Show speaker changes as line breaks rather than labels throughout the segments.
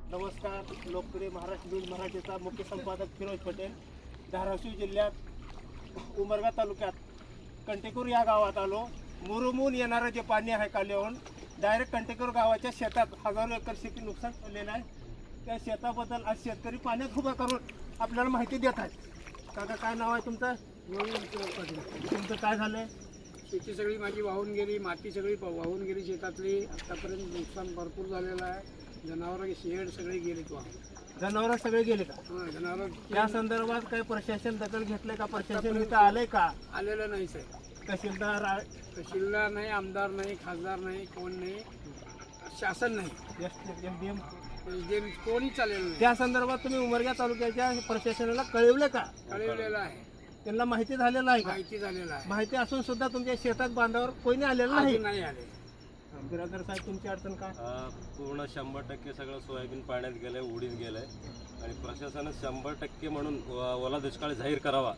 नमस्कार. लोकप्रिय महाराष्ट्र न्यूज मराठीचा मुख्य संपादक फिरोज पटेल. धाराशिव जिल्ह्यात उमरगा तालुक्यात कंटेकूर या गावात आलो. मुरुमून येणारं जे पाणी आहे काल्याहून डायरेक्ट कंटेकूर गावाच्या शेतात हजारो एकर शेती नुकसान झालेलं आहे. त्या शेताबद्दल आज शेतकरी पाण्यात उभा करून आपल्याला माहिती देत आहेत. काका काय नाव आहे तुमचं? तुमचं काय झालं?
शेती सगळी माझी वाहून गेली, माती सगळी वाहून गेली शेतातली. आतापर्यंत नुकसान भरपूर झालेलं आहे. जनावरं शेड सगळे गेलेत वाहून.
जनावरं सगळे गेले का?
जनावर
या संदर्भात काही प्रशासन दखल घेतलंय का? प्रशासन इथं आलंय का?
आलेलं नाही साहेब.
तहसीलदार
तहसीलदार नाही, आमदार नाही, खासदार नाही, कोण नाही, शासन नाही,
SDM
जे कोणी चालेलं नाही.
त्या संदर्भात तुम्ही उमरगा तालुक्याच्या प्रशासनाला कळवलं का?
कळवलेलं आहे,
त्यांना माहिती झालेलं आहे का?
माहिती झालेलं आहे.
माहिती असून सुद्धा तुमच्या शेतात बांधावर कोणी आलेलं नाही.
अजून नाही आले.
बिरादर साहेब तुमची अडचण काय?
पूर्ण 100% सगळं सोयाबीन पाण्यात गेलंय, उडीत गेलंय आणि प्रशासनानं 100% म्हणून ओला दुष्काळ जाहीर करावा.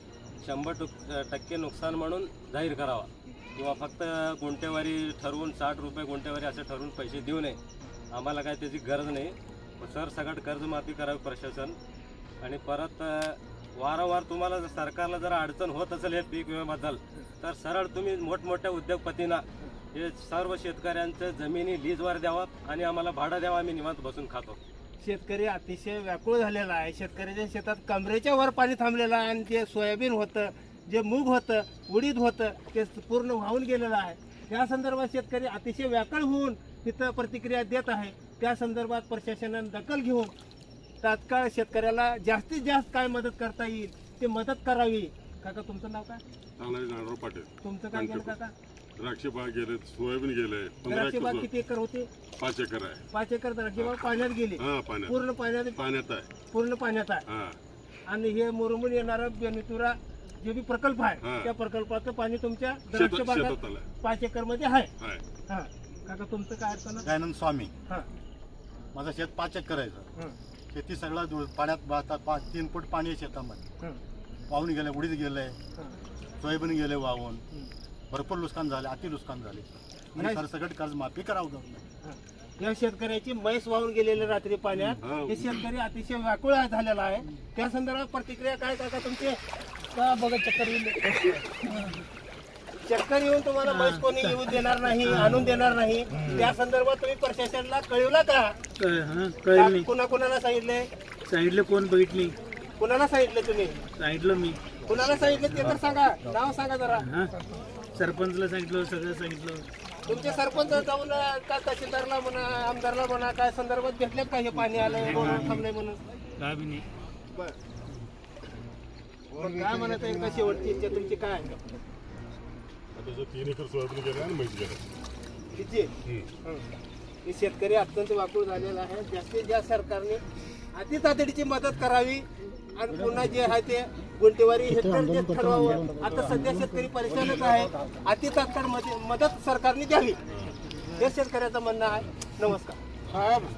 100% नुकसान म्हणून जाहीर करावा किंवा फक्त गुंठेवारी ठरवून 60 रुपये गुंठेवारी असं ठरवून पैसे देऊ नये. आम्हाला काय त्याची गरज नाही. सरसकट कर्जमाफी करावी प्रशासन. आणि परत वारंवार तुम्हाला जर सरकारला जर अडचण होत असेल हे पीक विम्याबद्दल तर सरळ तुम्ही मोठमोठ्या उद्योगपतींना हे सर्व शेतकऱ्यांचं जमिनी लीजवर द्यावा आणि आम्हाला भाडं द्यावा. आम्ही निवांत बसून खातो.
शेतकरी अतिशय व्याकुळ झालेला आहे. शेतकऱ्याच्या शेतात कमरेच्या वर पाणी थांबलेलं आहे आणि जे सोयाबीन होतं, जे मूग होतं, उडीद होतं ते पूर्ण वाहून गेलेलं आहे. या संदर्भात शेतकरी अतिशय व्याकुळ होऊन तिथं प्रतिक्रिया देत आहे. त्या संदर्भात प्रशासनाने दखल घेऊन तात्काळ शेतकऱ्याला जास्तीत जास्त काय मदत करता येईल ते मदत करावी. काका तुमचं नाव काय?
नारायण पाटील.
तुमचं काय गेलं काका?
द्राक्षे बाग गेले, सोयाबीन गेले.
द्राक्षे बाग किती एकर होते?
5 एकर आहे.
5 एकर द्राक्षे बाग पाण्यात गेली. पूर्ण
पाण्यात आहे.
पूर्ण पाण्यात आहे. आणि हे मुरुमून येणारा बेनितुरा जे बी प्रकल्प आहे त्या प्रकल्पाचं पाणी तुमच्या द्राक्ष बागात 5 एकर मध्ये आहे. हा काका तुमचं काय अडचण?
दयानंद स्वामी.
हा
माझं शेत 5 एकर आहे. शेती सगळं पाण्यात 3 फूट पाणी आहे शेतामध्ये. वाहून गेले, उडीद गेले, सोयाबीन गेले वाहून. भरपूर नुकसान झाले, अति नुकसान झाले. म्हणजे सरसकट कर्ज माफी करावं.
या शेतकऱ्याची म्हैस वाहून गेलेले रात्री पाण्यात. हे शेतकरी अतिशय व्याकुळ झालेला आहे. त्या संदर्भात प्रतिक्रिया काय काका तुमचे? का बघा चक्कर येऊन चक्कर येऊन तुम्हाला म्हैस कोणी येऊ देणार नाही, आणून देणार नाही. त्या संदर्भात तुम्ही प्रशासनाला कळवलं का? कुणाला सांगितले?
सांगितलं कोण बघितली?
कुणाला सांगितलं तुम्ही?
सांगितलं मी.
कुणाला सांगितलं ते तर सांगा, नाव सांगा जरा.
सरपंचला सांगितलं, सगळं सांगितलं.
तुमचे सरपंच जाऊन का तहसीलदारला म्हणा, आमदारला म्हणा, काय संदर्भात भेटले का हे पाणी आलंय थांबलंय म्हणून?
काय बी नाही.
काय म्हणत आहे? का शेवटची इच्छा तुमची काय आहे?
3 एकर सोयाबीन गेले आणि म्हैस गेले.
तिची हे शेतकरी अत्यंत वाकुळ झालेला आहे. जास्तीत जास्त सरकारने अति तातडीची मदत करावी आणि पुन्हा जे आहे ते गुंठेवारी हेक्टर जे ठरवावं. आता सध्या शेतकरी परेशानच आहे. अति तात्काळ मदत सरकारने द्यावी हे शेतकऱ्याचं म्हणणं आहे. नमस्कार.